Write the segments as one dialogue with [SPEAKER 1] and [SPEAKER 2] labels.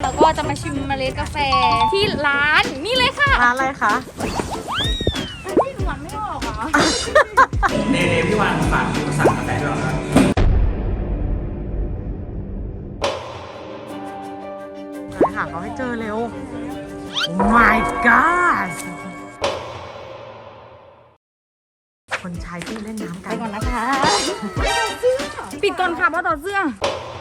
[SPEAKER 1] แล้วก็จะมาชิมเมล็ดกาแฟที่ร้านนี่เลยค่ะ
[SPEAKER 2] ร้านอะไรคะ
[SPEAKER 1] ที่หวานไม่ออกเหรอ
[SPEAKER 3] เนพี่วานฝากสั่งกาแฟด้วยครับ
[SPEAKER 2] หาเขาให้เจอเร็ว My God คนชายที่เล่นน้ำกัน
[SPEAKER 1] ไปก่อนนะคะปิดก่อนค่ะเพราะต่อเสื้อ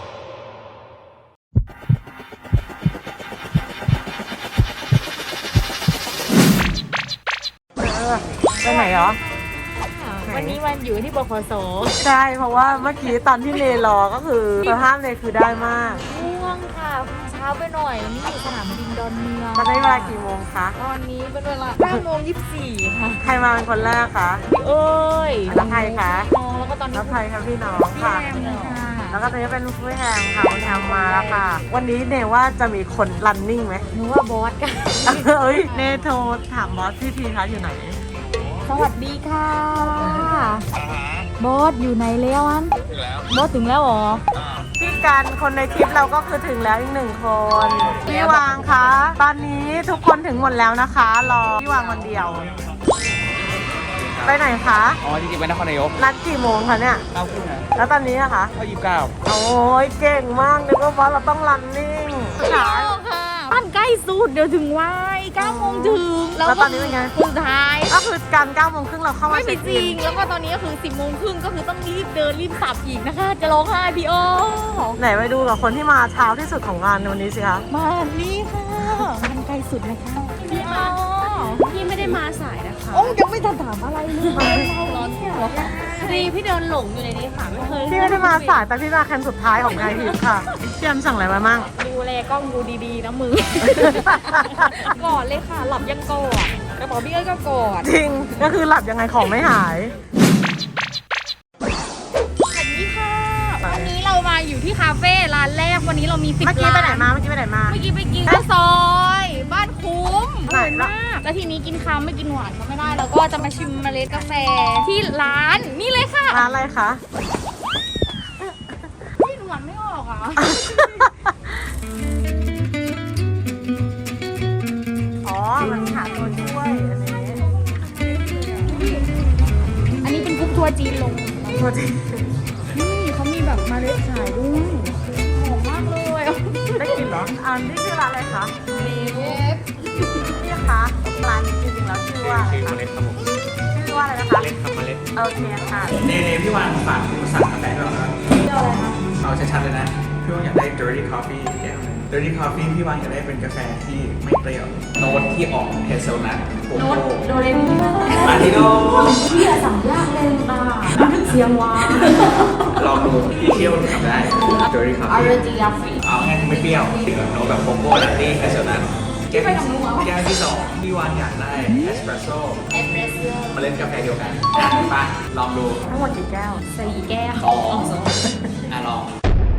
[SPEAKER 2] ไปไหนเหรอ
[SPEAKER 1] วันนี้วันอยู่ที่บขส.
[SPEAKER 2] ใช่เพราะว่าเมื่อกี้ตอนที่เนรอก็คือสภาพเนคือได้มาก
[SPEAKER 1] ง่วงค่ะเช้าไปหน่อยวันนี้อยู่สนามบินดอนเมือง
[SPEAKER 2] มาได้เวลากี่โมงคะ
[SPEAKER 1] ตอนนี้เป็นเวลา9:24ค่ะ
[SPEAKER 2] ใครมาเป็นคนแรกคะ
[SPEAKER 1] พี่เอ้ย
[SPEAKER 2] แล้วใครคะ
[SPEAKER 1] น้องแล้วก็ตอนนี้
[SPEAKER 2] แล้วใครคะพี่น้อง
[SPEAKER 1] พี่
[SPEAKER 2] ค่ะ
[SPEAKER 1] แอมเลยค่ะ
[SPEAKER 2] แล้วก็ตอนนี้เป็นผู้แฮมค่ะคุณแฮมมาแล้วค่ะ วันนี้เนว่าจะมีคนรันนิ่งไหม
[SPEAKER 1] หนูว่าบอสกัน
[SPEAKER 2] เอ้ยเนโทรถามบอสพี่ทีคะอยู่ไหน
[SPEAKER 1] สวัสดีค่ะบอสอยู่ไหนแล้วอันบอสถึงแล้วเหรอ
[SPEAKER 2] พี่กันคนในคลิปเราก็คือถึงแล้วอีกหนึ่งคนพี่วางคะตอนนี้ทุกคนถึงหมดแล้วนะคะรอพี่วางคนเดียว ไปไหนคะ
[SPEAKER 3] อ๋อจริงๆไปนครนายก
[SPEAKER 2] นัดกี่โมงคะเนี่ย
[SPEAKER 3] 9 ทุ่มนะ
[SPEAKER 2] แล้วตอนนี้อะคะ
[SPEAKER 3] ก็29
[SPEAKER 2] โอ้ยเก่งมากนึกว่าบอสเราต้องรันนิ่ง
[SPEAKER 1] ค่ะบ้านใกล้สุดเดี๋ยวถึงวัย9 โมงถึง
[SPEAKER 2] แล้วตอนนี้เป็นไง
[SPEAKER 1] สุดท้าย
[SPEAKER 2] ก็คือการ9 โมงครึ่งเราเข้ามา
[SPEAKER 1] ไม่มี
[SPEAKER 2] เช็ค
[SPEAKER 1] จ
[SPEAKER 2] อิ
[SPEAKER 1] ริ
[SPEAKER 2] น
[SPEAKER 1] งแล้วก็ตอนนี้ก็คือ10 โมงครึ่งก็คือต้องรีบเดินรีบสับอีกนะคะ จะร้องไห้พี่โอ
[SPEAKER 2] ไหนไปดูกับคนที่มาเช้าที่สุดของงานในวันนี้สิคะ
[SPEAKER 1] มานี่ค่ะบ้านใกล้สุดนะคะพี่โอ
[SPEAKER 4] พี่ไม่ได้มาสายนะคะ
[SPEAKER 1] โอ้ยังไม่ทันถามอะไรเลยเราร้อนเหรอคะ
[SPEAKER 4] ดีพี่เดินหลงอยู่ในนี้ค่ะไม่เคย
[SPEAKER 2] พี่ไม่ได้มาสายแต่พี่มาคันสุดท้ายของไทยทีมค่ะพี่แอมสั่งอะไรมามั่ง
[SPEAKER 1] ดูแลกล้องดูดีๆนะมือ ก่อนเลยค่ะหลับยังก่อนกระเป๋าพี่เอ้ยก็ก่อน
[SPEAKER 2] จริงก็คือหลับยังไงของไม่หาย
[SPEAKER 1] สวัสดีค่ะวันนี้เรามาอยู่ที่คาเฟ่ร้านแรกวันนี้เรามี10
[SPEAKER 2] เมื่อกี้
[SPEAKER 1] ร้าน
[SPEAKER 2] ไปไหนมาเมื่อกี้ไปไหนมา
[SPEAKER 1] เมื่อกี้ไปกินข้าวซอยบ้านคุ้มอ
[SPEAKER 2] ไหน
[SPEAKER 1] ร่อย
[SPEAKER 2] ล่ะ
[SPEAKER 1] มากแล้วทีนี้กินคำไม่กินหวานก็ไม่ได้แล้วก็จะมาชิมเมล็ดกาแฟที่ร้านนี่เลยค่ะ
[SPEAKER 2] ร้านอะไรคะ
[SPEAKER 1] พี่หวานไม่ออกเหรอ
[SPEAKER 2] อ๋อมันหาตัวช่วยอันนี้
[SPEAKER 1] อันนี้เป็นกรุ๊ปทัวร์จีนลง
[SPEAKER 2] ตัวจริง
[SPEAKER 1] นี่เขามีแบบเมล็ดขายด้วยหอมมากเลย
[SPEAKER 2] ได้กินเหรออันนี้คือร้านอะไรคะ
[SPEAKER 1] เมล็ด
[SPEAKER 2] พี่คะร้านจริงๆแล้วชื่อว่าอะไร
[SPEAKER 3] ชื่อ
[SPEAKER 2] คะ
[SPEAKER 3] เมล็ดครับผม
[SPEAKER 2] ชื่อว่าอะไรนะคะ
[SPEAKER 3] เมล็ดครับเมล็ด
[SPEAKER 2] โอเคค่ะ
[SPEAKER 3] เนพี่วานฝากสั่งกาแฟด้วยครับ
[SPEAKER 1] เจ้าอะไรคะ
[SPEAKER 3] เอาชัดๆเลยนะ พี่วานอยากได้ dirty coffee แก้วนึง dirty coffee พี่วานอยากได้เป็นกาแฟที่ไม่เปรี้ยว โน้ตที่ออกเฮเซลนัทโกโก้
[SPEAKER 1] โดเรมี
[SPEAKER 3] อาริโน
[SPEAKER 1] พี่อะสั่งยากเลยค่ะเสียงหวาน
[SPEAKER 3] ลองดูพี่เที่ยวทำได้ dirty
[SPEAKER 1] อาร
[SPEAKER 3] coffee
[SPEAKER 1] จิยาฟี
[SPEAKER 3] เอาง่ายๆไม่เปรี้ยวโน้ตแบบโกโก้ลัตตี้เฮเซลนัทแก้วที่สองพี่วานอยากได้เอสเปรสโซ่
[SPEAKER 1] เอสเปรสโซ่
[SPEAKER 3] เมล็ดกาแฟเดียวกันไปลองดู
[SPEAKER 2] ทั้งหมดกี่แก้ว
[SPEAKER 1] 4 แก้ว
[SPEAKER 3] ลองลอง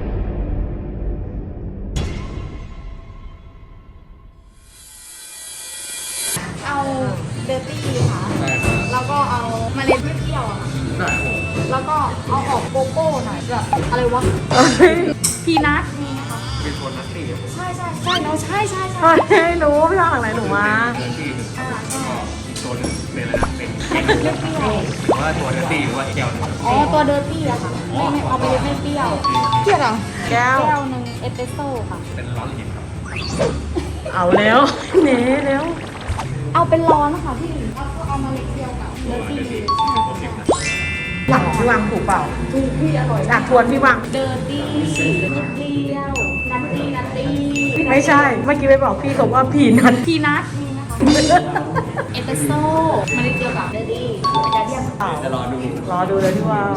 [SPEAKER 1] เอาเดอร์ตี้ค่ะ
[SPEAKER 3] ได้ครับ
[SPEAKER 1] แล้วก็เอาเมล็ดไม่เปรี้ยวอะค่ะ
[SPEAKER 3] ได้ครับผม
[SPEAKER 1] แล้วก็เอาออกโกโก้หน่อยแบบอะไรวะ พีนัทมีนะคะ
[SPEAKER 3] เป็นโทนนัตตี้ครับผม
[SPEAKER 1] ใช่ใช่ใช่เนาะใช่ใช่ใช่
[SPEAKER 2] เฮ้ยรู้พี่ทางหลังไหนหนูมา
[SPEAKER 3] นัตตี้หนึ่ง
[SPEAKER 1] ใช่
[SPEAKER 3] อีกตัวหนึ่งเป็นอะไรนะเป็น
[SPEAKER 1] เปรี้ยว
[SPEAKER 3] หรือว่าตัวนัตตี้หรือว่าแก้วหนึ่ง
[SPEAKER 1] อ๋อตัวเดอร์ตี้อะค่ะไม่เอาไปเลยไม่เปรี้ยวเปรี้ยวเหรอ
[SPEAKER 2] แก้ว
[SPEAKER 1] แก้วหนึ่งเอสเปรสโซ่ค่ะ
[SPEAKER 3] เป็นร้อนเย็นครับ
[SPEAKER 2] เอาแล้วเนเร็ว
[SPEAKER 1] เอาเป็นร้อนนะคะพี่เอามาเล็กเดียวกับเดอร์ตี้
[SPEAKER 2] หลังพี่วางถูกเปล่า
[SPEAKER 1] ถูกพี่อร่อย
[SPEAKER 2] อยากทวนพี่วาง
[SPEAKER 1] เดอร์ตี้เปรี้ยวนัตตี้นัตตี้
[SPEAKER 2] ไม่ใช่ เมื่อกี้ไปบอกพี่เขาว่าพีนัท
[SPEAKER 1] พีนัทมีนะคะเอสเปรสโซ่มาเล็กเดียวกับเดอร์ตี้อาจารย์เรียก
[SPEAKER 3] จะรอดู
[SPEAKER 2] รอดูเลยพี่ว่า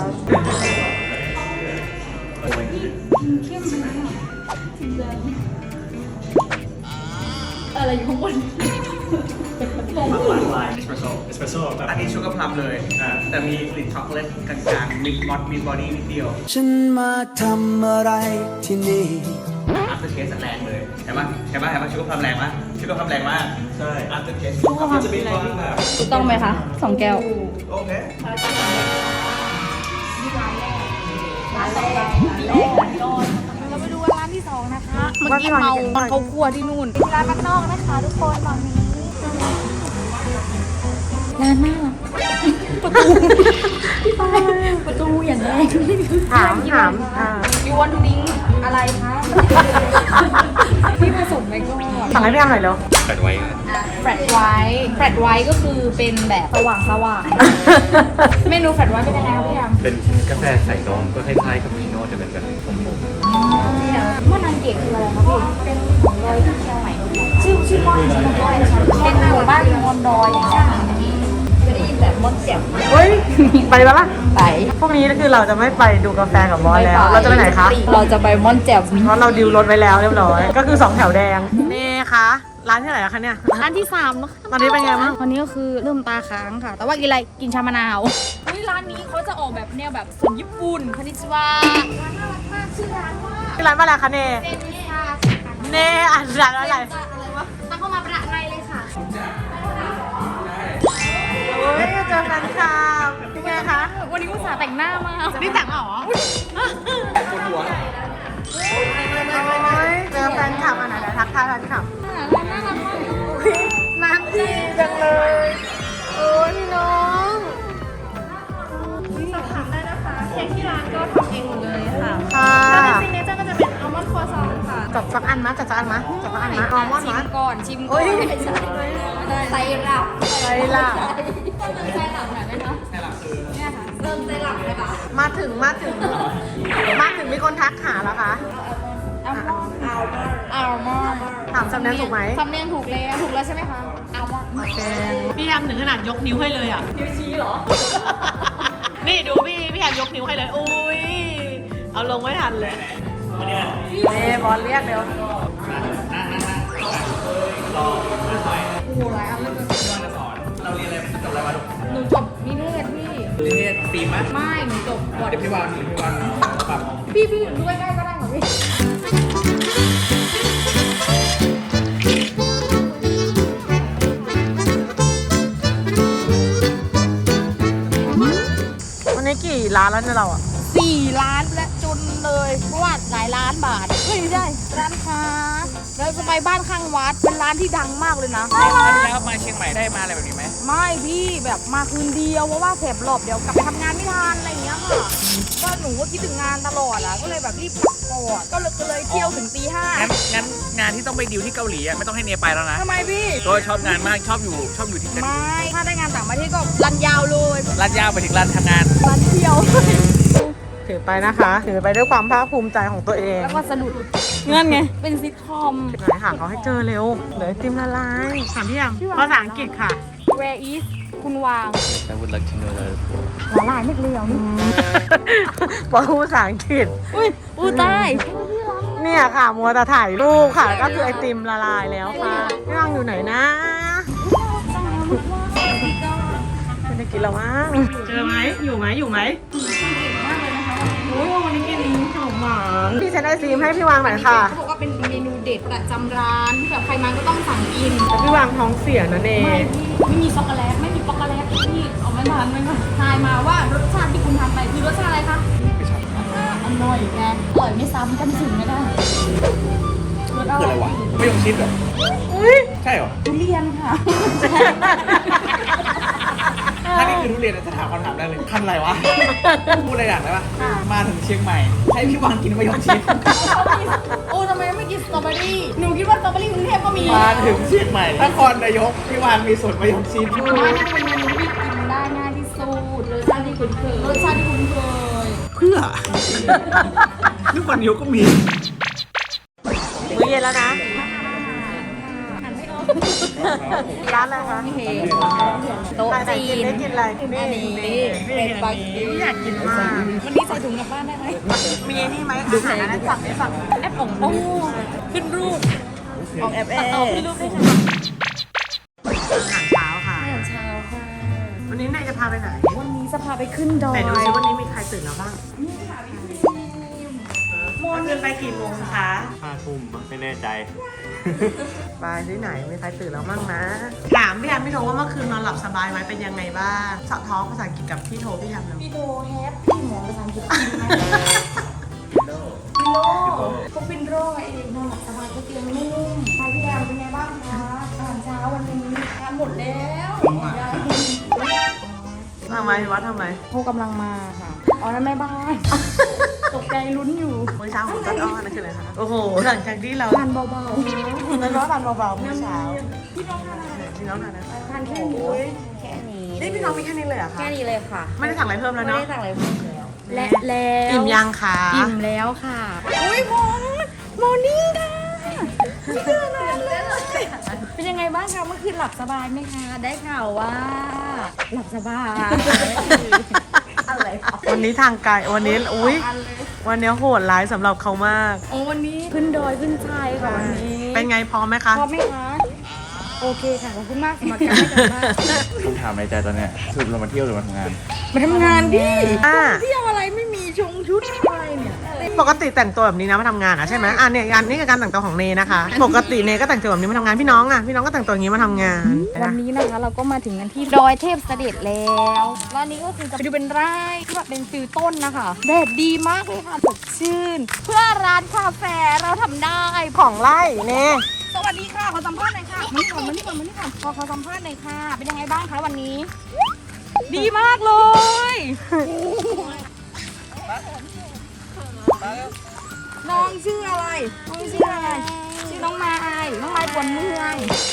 [SPEAKER 1] เข้มไหมอ่ะจริงจังอะไรอยู่ข้างบน
[SPEAKER 3] ลายเอสเปรสโซ่แบบอันนี้ชูการ์พลัมเลยแต่มีกลิ่นช็อกโกแลตกลางๆมีมอสมีบอดี้นิดเดียว
[SPEAKER 5] ฉันมาทำอะไรที่นี่
[SPEAKER 3] อัพเตอร์เทสแรงเลยเห็นปะชูการ์พลัมแรงมากชูการ์พลัมแรงมากใช่อัพเตอร์เทสจะมีความแบบ
[SPEAKER 1] ถูกต้องไหมคะ2 แก้ว
[SPEAKER 3] โอเค
[SPEAKER 1] ร้านแรกเราไปดูร้านที่2นะคะเมื่อกี้เมาตอนเขาครัวที่นู่นร้านบ้านนอกนะคะทุกคนตอนนี้ร้านน่ารักประตูอย่างแรง
[SPEAKER 2] ถาม
[SPEAKER 1] ยูวันดิ้งอะไรคะพี่ผสมไปก่อน
[SPEAKER 2] สั่งให้พี่แอมหน่อยเร็ว
[SPEAKER 3] แปดไว้
[SPEAKER 1] แฟลตไวท์ก็คือเป็นแบบสว่างเมนูแฟลตไวท์เป็นยังไงครับพี่แอม
[SPEAKER 3] เป็นกาแฟใส่นมก็คล้ายๆกับพีโน่จะเป็นแบบผม
[SPEAKER 1] ม่อนอังเกตคืออะไรคะพี่เป็นของดอยที่เชียงใหม่ชื่อม่อนใช่ไหมดอยเป็นหมู่บ้านมอนดอยอย่างเงี้ยจะได้ยินแบบม่อนแจ่ม
[SPEAKER 2] เฮ้ย ไปแล้วล่ะ
[SPEAKER 1] ไป
[SPEAKER 2] พวกนี้คือเราจะไม่ไปดูกาแฟกับบอสแล้ว เราจะไปไหนคะ
[SPEAKER 1] เราจะไปม่อนแจ่ม
[SPEAKER 2] เพราะเราดิวรถไว้แล้วเรียบร้อย ก็คือ2แถวแดง นี่คะร้านที่ไหนอะคะเนี่ย
[SPEAKER 1] ร้านที่3แล้วค่ะ
[SPEAKER 2] ตอนนี้เป็นไงบ้าง
[SPEAKER 1] วันนี้ก็คือเริ่มตาค้างค่ะ แต่ว่ากินอะไรกินชามะนาวร้านนี้เขาจะออกแบบแนวแบบสไตล์ญี่ปุ่นคานิชิวะร้านน่ารักมากชื่อร้านว่า
[SPEAKER 2] ที่ร้านอะไรคะเน่
[SPEAKER 1] เซนิซา
[SPEAKER 2] เน่อ่านร้านอะไร
[SPEAKER 1] อะไรวะตั้งเข้ามาประในเลยค่ะ
[SPEAKER 2] โอ้ยเจอแฟนคลับเป็นไงคะ
[SPEAKER 1] วันนี้อุตส่าห์แต่งหน้ามา
[SPEAKER 2] นี่แต่งมาเหรอ
[SPEAKER 3] ปวดหัว
[SPEAKER 2] โอ้ยเจอแฟนคลับอ่ะไหนๆทักทายแฟนคลับ
[SPEAKER 1] ร้านน่ารักมาก
[SPEAKER 2] น้ำดีจังเลย โอ้ยพี่น้อง
[SPEAKER 4] สอบถามได้นะคะเค้กที่ร้านก็ทำเองหมดเลยค่ะ
[SPEAKER 2] ค่ะ
[SPEAKER 4] ถ้าเป็นซิกเนเจอร์ก็จะเป็นอัลมอนด์ครัวซองค่ะ
[SPEAKER 2] จัดสักอันมั้ยจัดสักอันมั้ยจัดสักอันมั้ยอัลมอนด์
[SPEAKER 1] ชิ
[SPEAKER 2] มั้
[SPEAKER 1] ม
[SPEAKER 2] ย
[SPEAKER 1] ก่อนชิมก่
[SPEAKER 2] โอ้
[SPEAKER 1] อน
[SPEAKER 2] ย
[SPEAKER 1] ไม่ใช่ไซรัป
[SPEAKER 2] ไซรัป
[SPEAKER 1] ไซรัปหน่อยไหมคะไซรัปคือเนี่ยค่ะเริ่มไซรัปเลยค่ะ
[SPEAKER 2] มาถึงมีคนทักหาแล้วคะ
[SPEAKER 1] อัลมอนด์อัลมอนด์
[SPEAKER 2] ถามสำเนียงถูกไหม
[SPEAKER 1] สำเนียงถูกแล้วใช่ไหมคะอัลมอนด์
[SPEAKER 2] โอเคพี่แอมถึงขนาดยกนิ้วให้เลยอ่ะ นิ้วชี้เหรอ นี่ดูพี่แอมยกนิ้วให้เลย อุ้ย เอาลงไม่ทันเลยบอลเรียกเร็ว
[SPEAKER 1] โอ้โหหลายอันเลย
[SPEAKER 3] เราเรียนอะไรจบอะไรมาลูก
[SPEAKER 1] หนูจบนิเทศพี่
[SPEAKER 3] เรียนฟิล์มไหม
[SPEAKER 1] ไม่หนูจบบอด
[SPEAKER 3] เดี๋ยวพี่วางปรับ
[SPEAKER 1] พี่ดูใกล้ๆก็ได้ค่ะพี่
[SPEAKER 2] วันนี้กี่ร้านแล้วเนี่ยเราอ่ะ
[SPEAKER 1] 4 ล้านและจนเลยเพราะว่าหลายล้านบาทเฮ้ยไม่ใช่ร้านค้าแล้วจะไปบ้านข้างวัดเป็นร้านที่ดังมากเลยนะ
[SPEAKER 3] แล้วมาเชียงใหม่ได้มาอะไรแบบนี้ไหม
[SPEAKER 1] ไม่พี่แบบมาคืนเดียวเพราะว่าแถบหลบเดี๋ยวกลับไปทำงานไม่ทันอะไรอย่างเงี้ยค่ะก็หนูก็คิดถึงงานตลอดอ่ะก็เลยแบบรีบกลับก่อนก็เลยเที่ยวถึงตี 5
[SPEAKER 3] งั้นงานที่ต้องไปดิวที่เกาหลีอ่ะไม่ต้องให้เนไปแล้วนะ
[SPEAKER 1] ทำไมพี่
[SPEAKER 3] ตัวชอบงานมากชอบอยู่ที่นั่น
[SPEAKER 1] ไม่ถ้าได้งานต่างประเทศก็รันยาวเลย
[SPEAKER 3] ร้านยาวไปถึงร้านทำงาน
[SPEAKER 1] รันเที่ยว
[SPEAKER 2] ถือไปนะคะ ถือไปด้วยความภาคภูมิใจของตัวเอง
[SPEAKER 1] แล้วก็สะดุดเงื่อนไงเป็นซิทคอม
[SPEAKER 2] ไหนหาเขาให้เจอเร็วเหลือไอติมละลายถามพี่แอมภาษาอังกฤษค่ะ
[SPEAKER 1] Where is คุณวาง
[SPEAKER 3] I would like to know that
[SPEAKER 1] ละลายไม่เลียวนี่
[SPEAKER 2] บอกภาษาอังกฤษ
[SPEAKER 1] อุ้ยอู้ตาย
[SPEAKER 2] เนี่ยค่ะมัวแต่ถ่ายรูปค่ะ ก็คือไอติมละลายแล้วค่ะพี่วังอยู่ไหนนะไม่ได้กินแล้วมั้งเจอไหมอยู่ไหมโอ้ยวันนี้กินขนมหวานพี่เซนไอซีมให้พี่วางหน่อยค่ะ
[SPEAKER 1] เขาบอกว่าเป็นเมนูเด็ดประจำร้านที่แบบใครมาก็ต้องสั่งกิน
[SPEAKER 2] แต่พี่วางท้องเสียนะเน
[SPEAKER 1] ไม่พี่ไม่มีช็อกโกแลตไม่มีช็อกโกแลตพี่เอาไม่ทันทายมาว่ารสชาติที่คุณทำไปคือรสชาติอะไรคะอร่อยไงอร่อยไม่ซ้ำกันถึงไม่ได้รสอ
[SPEAKER 3] คือ
[SPEAKER 1] ร่
[SPEAKER 3] อะ
[SPEAKER 1] อย
[SPEAKER 3] ไรวะไม่ยงชิดเหรอใช่เหรอ
[SPEAKER 1] ทุเรียนค่ะ
[SPEAKER 3] ถ้านี่คือทุเรียนจะถามคำถามได้เลยพันอะไรวะ พูดอะไรอย่างได้ปะมาถึงเชียงใหม่ ให้พี่วางกินมะยงชิด
[SPEAKER 1] โอ้ทำไมไม่กินสตรอเบอรี่หนูคิดว่าสตรอเบอรี่กรุงเทพก็มี
[SPEAKER 3] มาถึงเชียงใหม่นครนายกพี่วางมีสวนมะยงชิด
[SPEAKER 1] ว่าน่าจะเป็นเมนูที่กินได้ง่ายที่สุดรสชาติที่คุ้นเคยรสชาติที่คุ้นเคย
[SPEAKER 3] เพื่อ นครนายกก็มี
[SPEAKER 2] มื้อเย็นแล้วนะร้านอะไรคะ
[SPEAKER 1] เฮโต๊ะ
[SPEAKER 2] ไหน
[SPEAKER 1] จี
[SPEAKER 2] กิน
[SPEAKER 1] น
[SPEAKER 2] ได้กินอะไร
[SPEAKER 1] อันนี้เป็นบางที
[SPEAKER 2] อยากกินมาก
[SPEAKER 1] วันนี้ใส่ถุงกลับบ้านได้ไหม
[SPEAKER 2] มีนี่ไหมอาหารนั้นสั่งได้สั่ง
[SPEAKER 1] แอปของโอ้ขึ้นรูปออกแอปขึ้นรูปได้ค่ะ
[SPEAKER 2] อาหารเช้าค่ะ
[SPEAKER 1] อาหารเช้าค่ะ
[SPEAKER 2] วันนี้นายจะพาไปไหน
[SPEAKER 1] วันนี้จะพาไปขึ้นดอย
[SPEAKER 2] ไหนดูซิวันนี้มีใครตื่นแล้วบ้างโมนตื่นไปกี่โมงคะ
[SPEAKER 6] 5 ทุ่มไม่แน่ใจ
[SPEAKER 2] ไปที่ไหนมีใครตื่นแล้วบ้างนะ ถามพี่แอมพี่โทว่าเมื่อคืนนอนหลับสบายไหมเป็นยังไงบ้างสะท้องภาษาอังกฤษกับพี่โทพี่แอมเลย
[SPEAKER 1] พี่โดแฮปปี้หมอภาษาอังกฤษจริงไหมโลพวกปินโรเองนอนหลับสบายก็เตียงนุ่มใครพี่แอมเป็นไงบ้างคะอาหารเช้าวันนี้ทานหมดแล้วยัง
[SPEAKER 2] ทำไมวัดทำไม
[SPEAKER 1] พวกกำลังมาค่ะอ๋อนั่นแม่บ้าน ตกใจลุ้นอยู่
[SPEAKER 2] มื้อเช้าของต้นอ้อนั่นคืออะไรคะโอ้โหหลังจากที่เรา
[SPEAKER 1] ทานเบา
[SPEAKER 2] แล้วก็ทานเบาๆมื้อเช้า
[SPEAKER 1] ๆพี่น้องทานอะไร
[SPEAKER 2] พี่น้องทานนะ
[SPEAKER 1] ทานแค่นี้แค่นี้
[SPEAKER 2] นี่พี่น้องมีแค่นี้เลยเหรอคะ
[SPEAKER 1] แค่นี้เลยค่ะ
[SPEAKER 2] ไม่ได้สั่งอะไรเพิ่มแล้ว
[SPEAKER 1] ไม่
[SPEAKER 2] เนาะ
[SPEAKER 1] ได้สั่งอะไรเพิ่มแล้วและแล้ว
[SPEAKER 2] อิ่มยังคะ
[SPEAKER 1] อิ่มแล้วค่ะอุ้ยมอร์นิ่งค่ะไม่เจอนานเลยเป็นยังไงบ้างคะเมื่อคืนหลับสบายไหมคะได้ข่าวว่า หลับสบายอะไรคะ
[SPEAKER 2] วันนี้ทางไกลวันนี้อุ้ย
[SPEAKER 1] อันเลย
[SPEAKER 2] วันนี้โหดร้ายสำหรับเขามาก
[SPEAKER 1] โอ้วันนี้ขึ้นดอยขึ้นชายค่ะวันนี้
[SPEAKER 2] เป็นไงพร้อมไหมคะ
[SPEAKER 1] พร้อมไหมคะโอเคค่ะขอบคุณมากสำหรับการให้กันมาก
[SPEAKER 3] คำถามในใจตอนเนี้ยสรุปเรามาเที่ยวหรือมาทำงาน
[SPEAKER 1] มาทำงานดิ
[SPEAKER 2] อ่า
[SPEAKER 1] เที่ยวอะไรไม่มีชงชุดอะไรเนี่ย
[SPEAKER 2] ปกติแต่งตัวแบบนี้นะมาทำงานอ่ะใช่ไหมอ่ะเนี่ยอันนี้คือการแต่งตัวของเนนะคะ ปกติเนก็แต่งตัวแบบนี้มาทำงานพี่น้องอ่ะพี่น้องก็แต่งตัวอย่างนี้มาทำงาน
[SPEAKER 1] วันนี้นะคะเราก็มาถึงกันที่ดอยเทพเสด็จแล้วแล้วนี้ก็คือจะไปดูเป็นไร่ที่แบบเป็นฟิลต้นนะคะแดดดีมากเลยค่ะสดชื่น เพื่อร้านคาเฟ่เราทำได้
[SPEAKER 2] ของไล่เน
[SPEAKER 1] สวัสดีค่ะขอสัมภาษณ์หน่อยค่ะมานี่ก่อนมานี่ก่อนมานี่ก่อนขอสัมภาษณ์หน่อยค่ะเป็นยังไงบ้างคะวันนี้ ดีมากเลยน้องชื่ออะไรน้องชื่ออะไรชื่อน้องไม้น้องไม้ปวนเมือง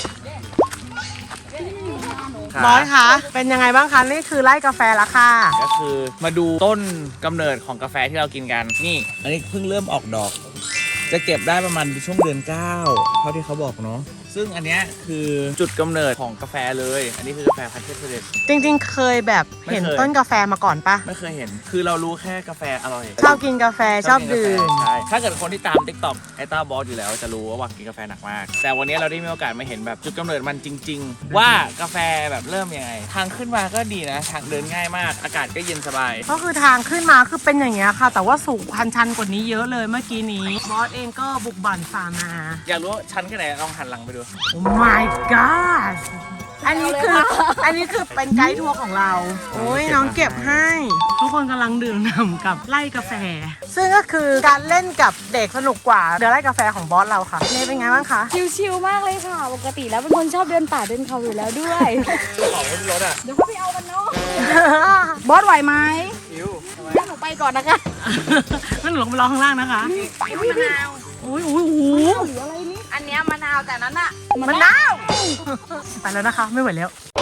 [SPEAKER 2] บอยคะเป็นยังไงบ้างคะนี่คือไล่กาแฟละค่ะ
[SPEAKER 3] ก็คือมาดูต้นกำเนิดของกาแฟที่เรากินกัน นี่ อันนี้เพิ่งเริ่มออกดอก จะเก็บได้ประมาณช่วงเดือน 9 เท่าที่เขาบอกเนาะ ซึ่งอันเนี้ยคือจุดกำเนิดของกาแฟเลย อันนี้คือกาแฟพันธุ์เทพเสด็จ
[SPEAKER 2] จริงๆ เคยแบบเห็น
[SPEAKER 3] ไม่เคย
[SPEAKER 2] ต้นกาแฟมาก่อนปะ
[SPEAKER 3] ไม่เคยเห็น คือเรารู้แค่กาแฟอร่อย
[SPEAKER 2] ชอบกินกาแฟชอบดื่ม
[SPEAKER 3] ใช่ ถ้าเกิดคนที่ตาม TikTok ไอต้าบอสอยู่แล้วจะรู้ว่ากินกาแฟหนักมาก แต่วันนี้เราได้มีโอกาสมาเห็นแบบจุดกำเนิดมันจริง ๆ ว่ากาแฟแบบเริ่มยังไง ทางขึ้นมาก็ดีนะ ทางเดินง่ายมาก อากาศก็เย็นสบาย
[SPEAKER 2] ก็คือทางขึ้นมาคือเป็นอย่างเงี้ยค่ะ แต่ว่าสูงชันกว่านี้เยอะเลยเมื่อกี้นี้บอสเองก็บุกบั่นฝ่ามา
[SPEAKER 3] อยากรู้ว่าชั้นแค่ไหนลองหันหลังไปดู
[SPEAKER 2] โอ้ my god อันนี้คือเป็นไกด์ทัวร์ของเรา โอ้ยน้องเก็บให้ ทุกคนกำลังดื่มด่ำกับไล่กาแฟ ซึ่งก็คือการเล่นกับเด็กสนุกกว่าเดี๋ยวไล่กาแฟของบอสเราค่ะเนยเป็นไงบ้างคะ
[SPEAKER 1] ชิลๆมากเลยค่ะ ปกติแล้วเป็นคนชอบเดินป่าเดินเขาอยู่แล้วด้วย
[SPEAKER 3] ของบนรถอ่ะ
[SPEAKER 1] เดี๋ยวเขาไปเอากันเนาะ บอสไหวไหม
[SPEAKER 3] อิวทำไม
[SPEAKER 1] ให้หนูไปก่อนนะคะ
[SPEAKER 2] งั้นหนูลงไปรอข้างล่างนะคะ
[SPEAKER 1] มะนาว
[SPEAKER 2] โอ้ยโอ้ยโอ้โห
[SPEAKER 1] หรืออะไรนี่อันเนี้ยมะนาวแต่นั้นอะ
[SPEAKER 2] มันนาวไปแล้วนะคะ ไม่ไหวแล้ว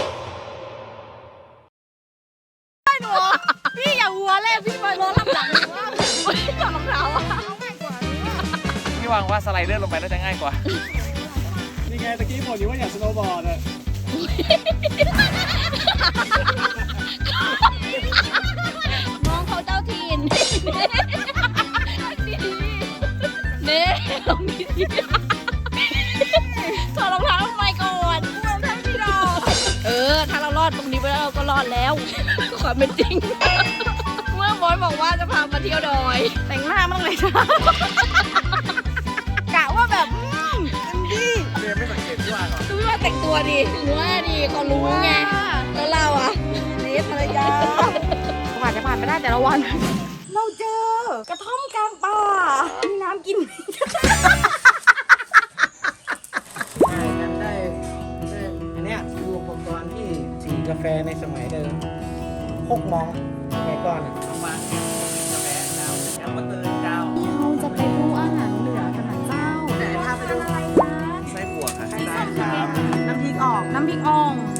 [SPEAKER 1] พี่อย่าหัวเลยพี่ไปรอรับหลังว่าพี่ถอดรองเท้าอะ
[SPEAKER 3] พี่วางว่าสไลเดอร์ลงไปแล้วจะง่ายกว่า
[SPEAKER 6] นี่ไงตะกี้บอกอยู่ว่าอยากสโนว์บอร์ดอะ
[SPEAKER 1] น้องเขาเจ้าถิ่นเน่ลองดีถอดรองเท้าทำไมก่อนรองเท้าพี่ดอกถ้าเรารอดตรงนี้ไปแล้วเราก็รอดแล้ว ความเป็นจริง เมื่อบอยบอกว่าจะพามาเที่ยวดอย แต่งหน้ามั่งเลยจ้ากะว่าแบบดี
[SPEAKER 3] เรียนไม่สังเกตพี่วางเหรอ
[SPEAKER 1] ดูว่าแต่งตัวดีว่าดีเขารู้ไง แล้วเราอ่ะนี่ภรรยาผ่านจะผ่านไปได้แต่ละวัน เราเจอกระท่อมกลางป่า มีน้ำกิน
[SPEAKER 6] ได้อันเนี้ยคืออุปกรณ์ที่สีกาแฟในสมัยเดิมพกมองสมัยก่อนอะ
[SPEAKER 3] ลงมากาแฟดาวยังมาเตือนดาว
[SPEAKER 1] เราจะไปดูอาหารเหนือกันนะเจ้า
[SPEAKER 2] ไหนพาไปดู
[SPEAKER 1] อะไรนะ
[SPEAKER 3] ไส้บัวค่ะ
[SPEAKER 2] ได้ครับ น้ำพริกออก
[SPEAKER 1] น้ำพริกอ่อง
[SPEAKER 2] ใช่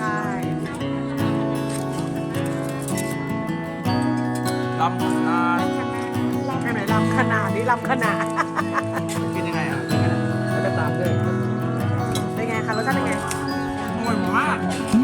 [SPEAKER 3] ลำคาญ
[SPEAKER 2] แค่ไหนลำขนาดนี้ลำขนาด
[SPEAKER 3] กินยังไงอ่ะ
[SPEAKER 6] แล้วก็ตามด้วย
[SPEAKER 2] เป็นไงคะรสชาติเป็นไง
[SPEAKER 3] อร่อยมาก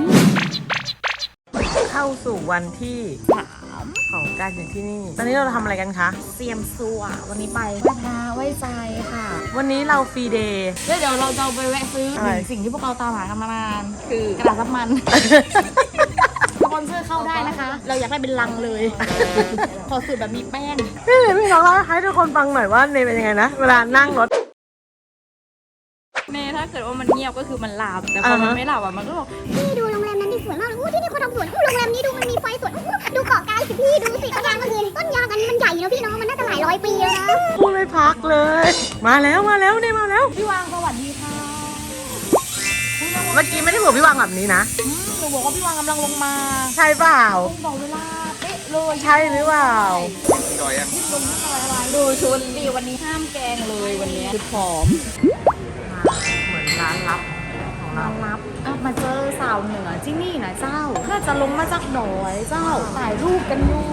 [SPEAKER 2] เข้าสู่วันที่3ของการอยู่ที่นี่ ตอนนี้เราทำอะไรกันคะ
[SPEAKER 1] เซียมซัววันนี้ไปไหว้พระไหว้ใจค่ะ
[SPEAKER 2] วันนี้เราฟรีเดย์
[SPEAKER 1] เดี๋ยวเราจะไปแวะซื้อ
[SPEAKER 2] อะไร
[SPEAKER 1] สิ่งที่พวกเราตามหากันมานานคือกระดาษซับมัน สปอนเซอร์เข้าได้นะคะ เราอยากได้เป็นลังเลย ขอสูตรแบบมีแป้ง
[SPEAKER 2] พี่น้องเล่าให้ทุกคนฟังหน่อยว่าเนยเป็นยังไงนะ เวลานั่งรถ
[SPEAKER 1] เนถ้าถ้าเกิดว่ามันเงียบก็คือมันหลับแต่พอมันไม่หลับอ่ะมันก็บอก
[SPEAKER 7] พี่ดูโรงแรมนั้นดิสวยมากเลยที่นี่เขาทำสวนโรงแรมนี้ดูมันมีไฟสวยดูเกาะกายสิพี่ดูสิต้นยางก็คือต้นยางอันนี้มันใหญ่นะพี่น้องมันน่าจะหลายร้อยปีแล้วนะ
[SPEAKER 2] พูดไม่พักเลย มาแล้วนี่มาแล้ว
[SPEAKER 1] พี่วางสวัสดีค่ะ
[SPEAKER 2] เมื่อกี้ไม่ได้บอกพี่วางแบบนี้นะ
[SPEAKER 1] หนูบอกว่าพี่วางกำลังลงมา
[SPEAKER 2] ใช่เปล่า
[SPEAKER 1] บอกเวลาเป๊ะเลย
[SPEAKER 2] ใช่หรือเปล่า
[SPEAKER 3] จอยยัง
[SPEAKER 1] ลงที่ซอยอะไรดูชุดดีวันนี้ห้ามแกงเลยวันนี้ชุดผอม
[SPEAKER 2] เหมือนร้านลับของเรา
[SPEAKER 1] รับมาเจอสาวเหนือที่นี่นะเจ้าถ้าจะลงมาจากหนอยเจ้าถ่ายรูปกันอยู่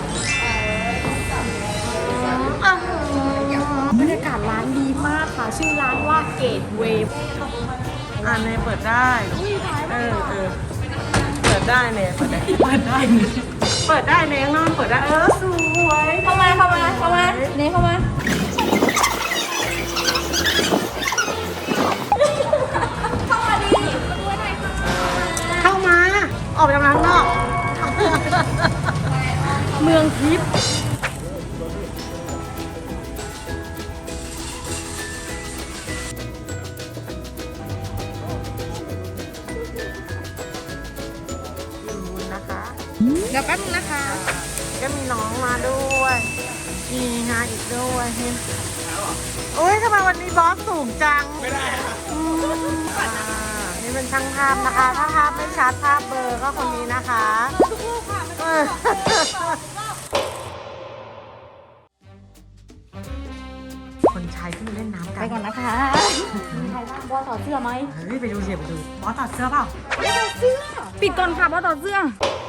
[SPEAKER 1] บรรยากาศร้านดีมากค่ะชื่อร้านว่าเกตเวย์
[SPEAKER 2] อันนี้เปิดได้เออเปิดได้เนี่ยเปิดได้เนี่ยข้างนอกเปิดได้สวย
[SPEAKER 1] เข้ามาเนี่ยเข้ามาดี
[SPEAKER 2] เข้ามาออกไปทำร้านนอก
[SPEAKER 1] เมืองทิพย์
[SPEAKER 2] นะคะ
[SPEAKER 1] เดี๋ยวแป๊บนึงนะคะ
[SPEAKER 2] ก็มีน้องมาด้วยมีงานอีกด้วยโอ้ยทำไมวันนี้บอสสูงจังไม่ได้นี่เป็นช่างภาพนะคะ ถ้าภาพไม่ชัดภาพเบลอก็คนนี้นะคะคนชายขึ้นมาเล่นน้ำกั
[SPEAKER 1] ไป
[SPEAKER 2] น
[SPEAKER 1] ก่อนนะคะมีใครบ้างบอสถอดเสื้อไหม
[SPEAKER 2] เฮ้ยไปดูสิไปดูบอสถอดเสื้อเปล่า
[SPEAKER 1] ปิดก่อนค่ะบอสถอดเสื้อ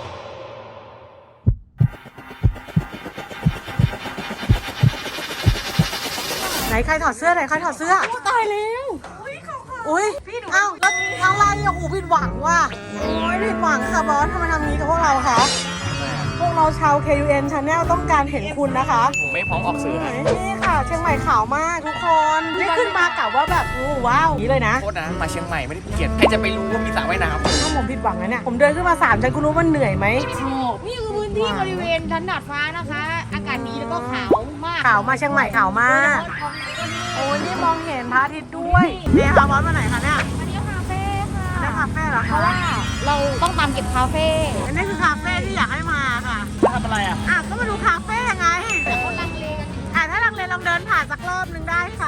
[SPEAKER 2] ไหนใครถอดเสื้อไหนใครถอดเสื้อ
[SPEAKER 1] ตายแล้ว
[SPEAKER 2] อุ้ยเอ้าแล้วอะไรอ่ะโอ้ผิดหวังว่ะโอ้ยผิดหวังค่ะบอสทำไมทำนี้กับพวกเราคะพวกเราชาว KUN Channel ต้องการเห็นคุณนะคะ
[SPEAKER 3] ผมไม่พร้อมออกสื่อให้
[SPEAKER 2] นี่ค่ะเชียงใหม่ขาวมากทุกคนนี่ขึ้นมากะว่าแบบโอ้ว้าวนี้เลยนะ
[SPEAKER 3] โทษนะมาเชียงใหม่ไม่ได้ภูเก็ตใครจะไปรู้ว่ามีสระว่ายน้ำ
[SPEAKER 2] ถ้าผมผิดหวังนะเนี่ยผมเดินขึ้นมา3ชั้นคุณรู้ว่าเหนื่อยไหม
[SPEAKER 1] นี่คือพื้นที่บริเวณชั้นดาดฟ้านะคะ อากาศดีแล้วก็ขาวมาก
[SPEAKER 2] ขาวมาเชียงใหม่ขาวมากโอ้ยนี่มองเห็นพระอาทิตย์ด้วยเนี่ยค่ะบอสมาไหนคะเนี่ย
[SPEAKER 1] อันนี้คาเฟ่ค่ะ
[SPEAKER 2] ได้คาเฟ่เหรอ
[SPEAKER 1] เพ
[SPEAKER 2] คะ
[SPEAKER 1] ราะว่าเราต้องตามเก็บคาเฟ่
[SPEAKER 2] อันนี้คือคาเฟ่ที่อยากให้มาค่ะ
[SPEAKER 3] ทำอะไรอ่ะ
[SPEAKER 2] ก็มาดูคาเฟ่ไง
[SPEAKER 1] คนลังเลกัน
[SPEAKER 2] ถ้าลังเลลองเดินผ่านสักรอบนึงได้ค่ะ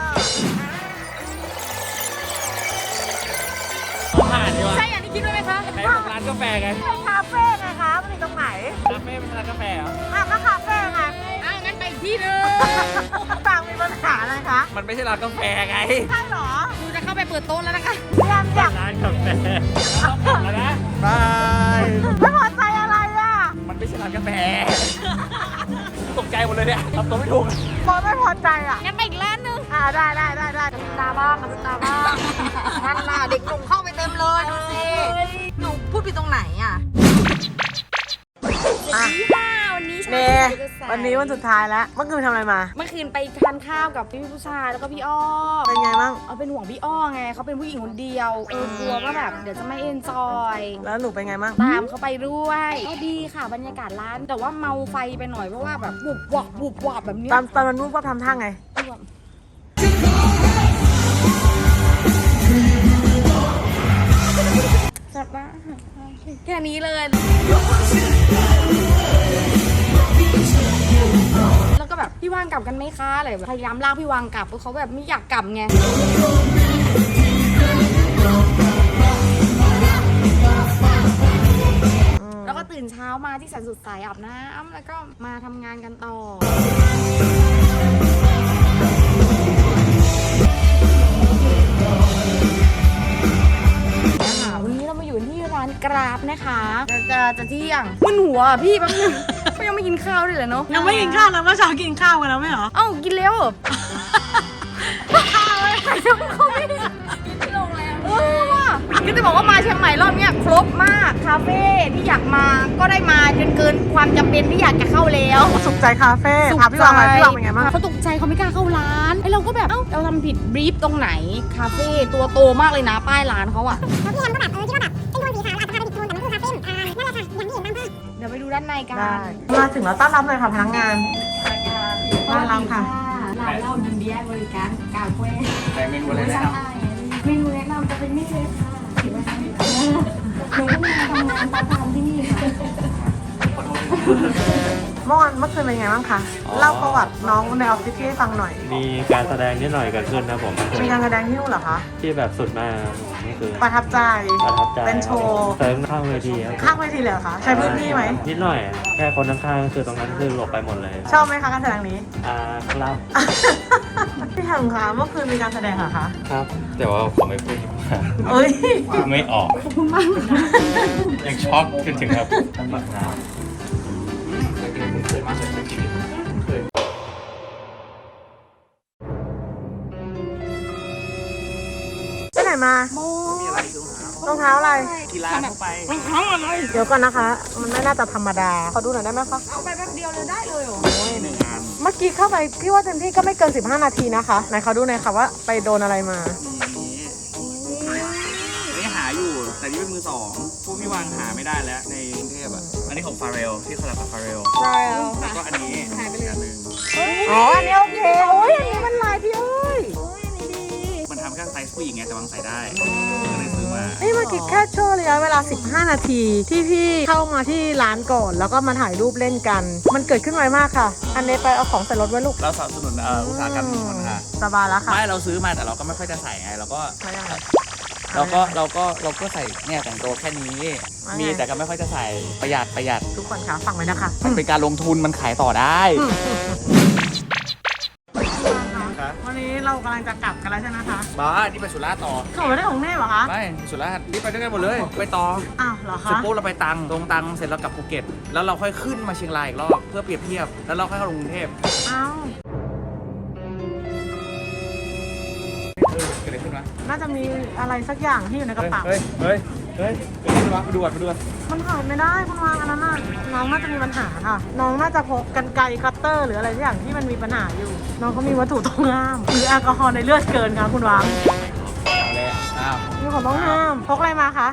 [SPEAKER 3] ผ่านดีกว่า
[SPEAKER 1] ใช่อย่างที่คิดไว้ไหมคะ
[SPEAKER 3] ไหนบอกร้านกาแฟไง
[SPEAKER 2] เป็นคาเฟ่ไงคะมันอยู่ตรงไหน
[SPEAKER 3] คาเฟ่เป็นร้านกาแฟเหรอ
[SPEAKER 2] ก็คาเฟ่ไง
[SPEAKER 1] งั้นไปอีกที่นึง
[SPEAKER 2] ต่างมีปัญหาอะไรคะ
[SPEAKER 3] มันไม่ใช่ร้านกาแฟไง
[SPEAKER 2] ใช่เหรอ
[SPEAKER 1] หนูจะเข้าไปเปิดโต๊ะแล้วนะคะ
[SPEAKER 2] พยายามอยาก
[SPEAKER 3] ร้านกาแฟต้องบอกแล้วนะบาย
[SPEAKER 2] ไม่พอใจอะไรอ่ะ
[SPEAKER 3] มันไม่ใช่ร้านกาแฟตกใจหมดเลยเนี่ยทำตัวไม่ถูก
[SPEAKER 2] บอสไม่พอใจอ่ะ
[SPEAKER 1] งั้นไปอีกร้านนึง
[SPEAKER 2] ได้
[SPEAKER 1] ตาบ้างกับตาบ้างนั่นน่ะเด็กหนุ่มเข้าไปเต็มเลยดูสิหนูพูดผิดตรงไหนอ่ะวันนี้
[SPEAKER 2] เนวันนี้วันสุดท้ายแล้ว เมื่อคืนทำอะไรมา
[SPEAKER 1] เมื่อคืนไปทานข้าวกับพี่ผู้ชายแล้วก็พี่อ้อม
[SPEAKER 2] เป็นไงบ้าง
[SPEAKER 1] เอาเป็นห่วงพี่อ้อไงเขาเป็นผู้หญิงคนเดียวกลัวว่าแบบเดี๋ยวจะไม่เอนจอย
[SPEAKER 2] แล้วหนูเป็นไงบ้าง
[SPEAKER 1] ตามเขาไปด้วยก็ดีค่ะบรรยากาศร้าน แต่ว่าเมาไฟไปหน่อยเพราะว่าแบบบุบวับแบบนี้
[SPEAKER 2] ตอนมันรูปว่าทำท่าไง
[SPEAKER 1] จัดมาแค่นี้เลย แล้วก็แบบพี่วางกลับกันไหมคะอะไรแบบพยายามลากพี่วางกลับเพราะเขาแบบไม่อยากกลับไงแล้วก็ตื่นเช้ามาที่แสนสุดสายอาบน้ำแล้วก็มาทำงานกันต่อวันนี้เรามาอยู่ที่ร้านกราฟนะคะจะเที่ยงมึนหัวอ่ะพี่แป๊บนึงก็ยังไม่กินข้าวด้วยเหรอเนาะ
[SPEAKER 2] ยังไม่กินข้าวแล้วเมื่อเช้ากินข้าวกันแล้วไม่เหรอ
[SPEAKER 1] เอ้ากินแล้วข้าวอะไรใครจะเขาไม่ได้กินที่โรงแรมว่ะก็จะบอกว่ามาเชียงใหม่รอบเนี้ยครบมากคาเฟ่ที่อยากมาก็ได้มาจนเกินความจำเป็นที่อยากจะเข้าแล้ว
[SPEAKER 2] สุขใจคาเฟ่พาพี่วางไปพี่วางเป็นไงบ้าง
[SPEAKER 1] เขาตกใจเขาไม่กล้าเข้าร้านไอเราก็แบบเอ้าเราทำผิดบรีฟตรงไหนคาเฟ่ตัวโตมากเลยนะป้ายร้านเขาอะ
[SPEAKER 7] แล้วพี่แอมก็แบบคิดว่าแบบเป็นโทนสีขาวอาจจะพาไปผิดโทนแต่มันคือคาเฟ่นั่นแหละค่ะอย่างที่เห็นตามภาพ
[SPEAKER 1] เดี๋ยวไปดูด้านในกัน
[SPEAKER 2] ได้มาถึงแล้วต้อนรับเลยค่ะพนักงานต้อนรับค่ะ
[SPEAKER 1] ร้านเรายินดีให้บริการกาแฟ
[SPEAKER 3] แต่เมนูอะไรแนะน
[SPEAKER 1] เม
[SPEAKER 2] เมื่อคืนเป็นไงบ้างคะ เล่าประวัติน้องในออฟฟิศให้ฟังหน่อย
[SPEAKER 8] มีการแสดงนิดหน่อยเกิดขึ้นนะผม
[SPEAKER 2] มีการแสดงที่นู่นเหรอคะ
[SPEAKER 8] ที่แบบสุดมากนี่คือ
[SPEAKER 2] ประทับใจ
[SPEAKER 8] ประทับใจ
[SPEAKER 2] เป็นโชว์
[SPEAKER 8] เซิร์ฟข้างเวทีครับ
[SPEAKER 2] ข้างเวทีเลยเหรอคะ ใช้พื้นที่ไหม
[SPEAKER 8] นิดหน่อย แค่คนข้างๆคือตรงนั้นคือหลบไปหมดเลย
[SPEAKER 2] ชอบไหมคะการแสดงนี้
[SPEAKER 8] ครับ
[SPEAKER 2] พี่แฮมคะเมื่อคืนมีการแสดงเหรอคะ
[SPEAKER 8] ครับ แต่ว่าผมไม่พูดดีกว่า
[SPEAKER 2] เอ้ย
[SPEAKER 8] ไม่ออกยังช็อกจนถึงครับ
[SPEAKER 2] ไปไหนมา
[SPEAKER 3] มีอะไรดู
[SPEAKER 2] รองเท้าอะไร
[SPEAKER 3] กีฬาเข้าไป
[SPEAKER 2] เดี๋ยวก่อนนะคะ มันไม่น่าจะธรรมดา ขอดูหน่อยได้ไหมคะ
[SPEAKER 1] เอาไปแป๊บเดียวเลยได้เลยเหรอ
[SPEAKER 3] หนึ่งอัน
[SPEAKER 2] เมื่อกี้เข้าไปพี่ว่าเต็มที่ก็ไม่เกิน 15 นาทีนะคะ ไหนขอดูหน่อยค่ะว่าไปโดนอะไรมา
[SPEAKER 3] นี่หาอยู่ แต่นี่เป็นมือสองพวกพี่วางหาไม่ได้แล้วในกรุงเทพอ่ะ อันนี้ของฟาเรลที่คอลแลบกับฟาเรล
[SPEAKER 2] ใช่แล้ว
[SPEAKER 3] แล้วก็อันนี้หายไปเลยอันหนึ่ง
[SPEAKER 2] อ๋อ อันนี้โอเค โอ้ยอันนี้มันลายพี่เอ้ย
[SPEAKER 3] มันทำแค่ไซส์ผู้หญิงไงแต่วางใส่ได้ก็เลยซื้อมา
[SPEAKER 2] นี่มาคิดแค่ช่วงระยะเวลา 15 นาทีที่พี่เข้ามาที่ร้านก่อน แล้วก็มาถ่ายรูปเล่นกัน มันเกิดขึ้นไวมากค่ะ อันนี้ไปเอาของใส่รถไว้ลูก
[SPEAKER 3] เราสนับสนุนอุตสาหกรรมชุมชนค่ะ
[SPEAKER 2] สบายแล้วค่ะ
[SPEAKER 3] ไม่เราซื้อมาแต่เราก็ไม่ค่อยจะใส่ไงเราก็
[SPEAKER 2] ใช่ยังไง
[SPEAKER 3] เราก็ใส่เนี่ยแต่งตัวแค่นี้ มีแต่ก็ไม่ค่อยจะใส่ประหยัด
[SPEAKER 2] ทุกคนคะฟังไว้นะคะ
[SPEAKER 3] มันเป็นการลงทุนมันขายต่อได้
[SPEAKER 2] วันนี้เรากำลังจะกลับกันแล้วใช่ไหมคะ
[SPEAKER 3] บ้านี่ไปสุราษฎร์ต่อ
[SPEAKER 2] เขาไม่ได้ของแน่เหรอคะ
[SPEAKER 3] ไม่ไปสุราษฎร์นี่ไปด้วยกันหมดเลย ไปต่อ
[SPEAKER 2] อ้าวเหรอ
[SPEAKER 3] เสร็จ
[SPEAKER 2] คะ
[SPEAKER 3] ปุ๊บเราไปตรังเสร็จเรากลับภูเก็ต แล้วเราค่อยขึ้นมาเชียงรายอีกรอบเพื่อเปรียบเทียบ แล้วเราค่อยเข้ากรุงเทพ
[SPEAKER 2] อ้าว
[SPEAKER 3] เกิดอะไรขึ้นวะ
[SPEAKER 2] น่าจะมีอะไรสักอย่างที่อยู่ในกระเป๋า
[SPEAKER 3] เฮ้ยเกิดอะไรขึ้นวะไปดูก่อน
[SPEAKER 2] มันหายไม่ได้คุณวางอันนั้นน่ะน้องน่าจะมีปัญหาค่ะ น้องน่าจะพกกรรไกรคัตเตอร์ หรืออะไรสักอย่างที่มันมีปัญหาอยู่ น้องเขามีวัตถุต้องห้าม หรือแอลกอฮอล์ในเลือดเกินค่ะคุณวาง
[SPEAKER 3] เอาเลยอ้าว
[SPEAKER 2] มีของต้องห้าม พกอะไรมาคะ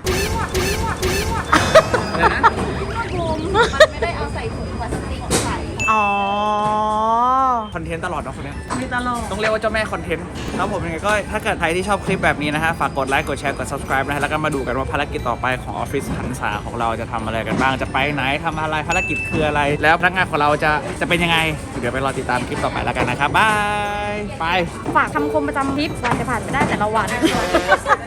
[SPEAKER 3] อะไรนะ
[SPEAKER 1] มันไม่ได้เอาใส่ถุงพลาสติกใส่
[SPEAKER 2] อ๋อ
[SPEAKER 3] คอนเทนต์ตลอดเนาะคนเนี้ย
[SPEAKER 2] มีตลก
[SPEAKER 3] ต้องเรียกว่าเจ้าแม่คอนเทนต์ครับผมยังไงก็ถ้าเกิดใครที่ชอบคลิปแบบนี้นะฮะฝากกดไลค์กดแชร์กด subscribe นะฮะแล้วก็มาดูกันว่าภารกิจต่อไปของออฟฟิศหันษาของเราจะทำอะไรกันบ้างจะไปไหนทำอะไรภารกิจคืออะไร แล้วพนักงานของเราจะเป็นยังไงเดี๋ยวไปรอติดตามคลิปต่อไปแล้วกันนะครับบายไป
[SPEAKER 1] ฝากคำคมประจำทริปวันจะผ่านไปได้แต่ละวัน